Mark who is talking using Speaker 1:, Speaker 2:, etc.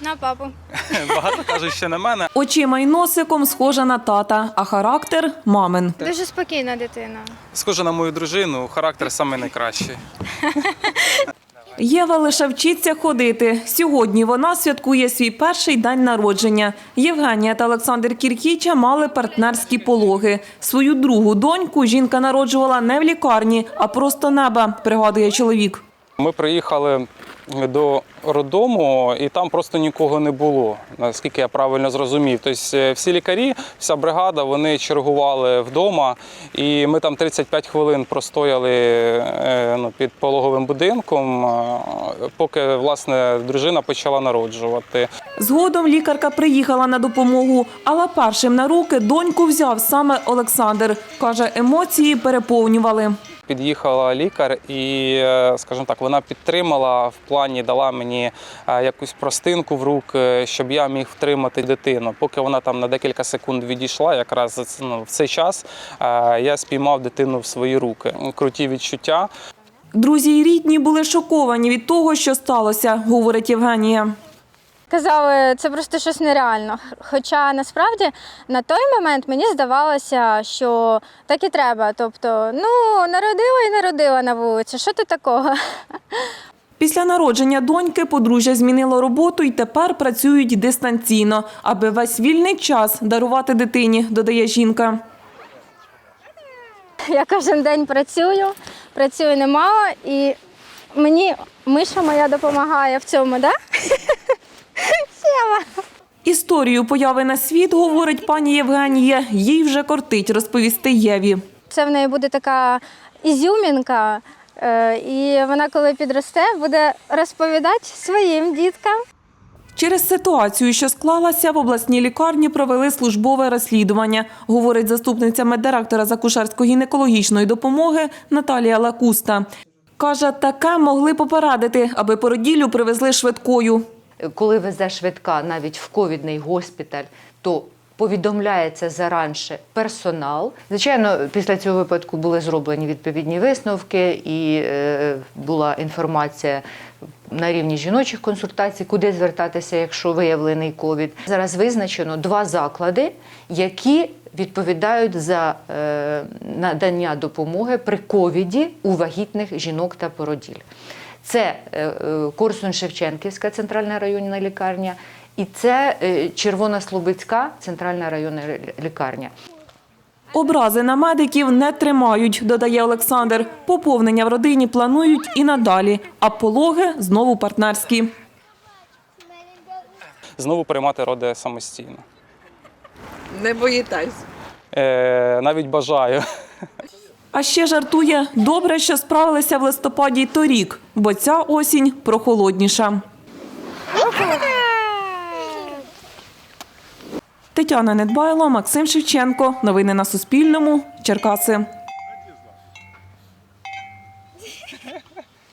Speaker 1: На папу.
Speaker 2: Багато кажуть, що на мене.
Speaker 3: Очима й носиком схожа на тата, а характер – мамин.
Speaker 1: Дуже спокійна дитина.
Speaker 2: Схоже на мою дружину, характер саме найкращий.
Speaker 3: Єва лише вчиться ходити. Сьогодні вона святкує свій перший день народження. Євгенія та Олександр Кіркіча мали партнерські пологи. Свою другу доньку жінка народжувала не в лікарні, а просто неба, пригадує чоловік.
Speaker 2: Ми приїхали до роддому, і там просто нікого не було, наскільки я правильно зрозумів. Тобто всі лікарі, вся бригада, вони чергували вдома, і ми там 35 хвилин простояли під пологовим будинком, поки, власне, дружина почала народжувати.
Speaker 3: Згодом лікарка приїхала на допомогу, але першим на руки доньку взяв саме Олександр. Каже, емоції переповнювали.
Speaker 2: Під'їхала лікар і, скажімо так, вона підтримала в плані, дала мені якусь простинку в руки, щоб я міг втримати дитину. Поки вона там на декілька секунд відійшла, якраз в цей час я спіймав дитину в свої руки. Круті відчуття.
Speaker 3: Друзі й рідні були шоковані від того, що сталося, говорить Євгенія.
Speaker 1: Казали, це просто щось нереально. Хоча насправді на той момент мені здавалося, що так і треба. Тобто, народила і народила на вулиці. Що тут такого?
Speaker 3: Після народження доньки подружжя змінило роботу і тепер працюють дистанційно, аби весь вільний час дарувати дитині, додає жінка.
Speaker 1: Я кожен день працюю немало, і мені Миша моя допомагає в цьому, так?
Speaker 3: Історію появи на світ, говорить пані Євгенія, їй вже кортить розповісти Єві.
Speaker 1: Це в неї буде така ізюмінка, і вона, коли підросте, буде розповідати своїм діткам.
Speaker 3: Через ситуацію, що склалася, в обласній лікарні провели службове розслідування, говорить заступниця меддиректора з акушерсько-гінекологічної допомоги Наталія Лакуста. Каже, таке могли попередити, аби породіллю привезли швидкою.
Speaker 4: Коли везе швидка навіть в ковідний госпіталь, то повідомляється заранше персонал. Звичайно, після цього випадку були зроблені відповідні висновки і була інформація на рівні жіночих консультацій, куди звертатися, якщо виявлений ковід. Зараз визначено 2 заклади, які відповідають за надання допомоги при ковіді у вагітних жінок та породіль. Це Корсунь-Шевченківська центральна районна лікарня і це Червонослобідська центральна районна лікарня.
Speaker 3: Образи на медиків не тримають, додає Олександр. Поповнення в родині планують і надалі, а пологи знову партнерські.
Speaker 2: Знову приймати роди самостійно.
Speaker 5: Не боїтесь?
Speaker 2: Навіть бажаю.
Speaker 3: А ще жартує, добре, що справилися в листопаді й торік, бо ця осінь прохолодніша. Тетяна Недбайло, Максим Шевченко. Новини на Суспільному. Черкаси.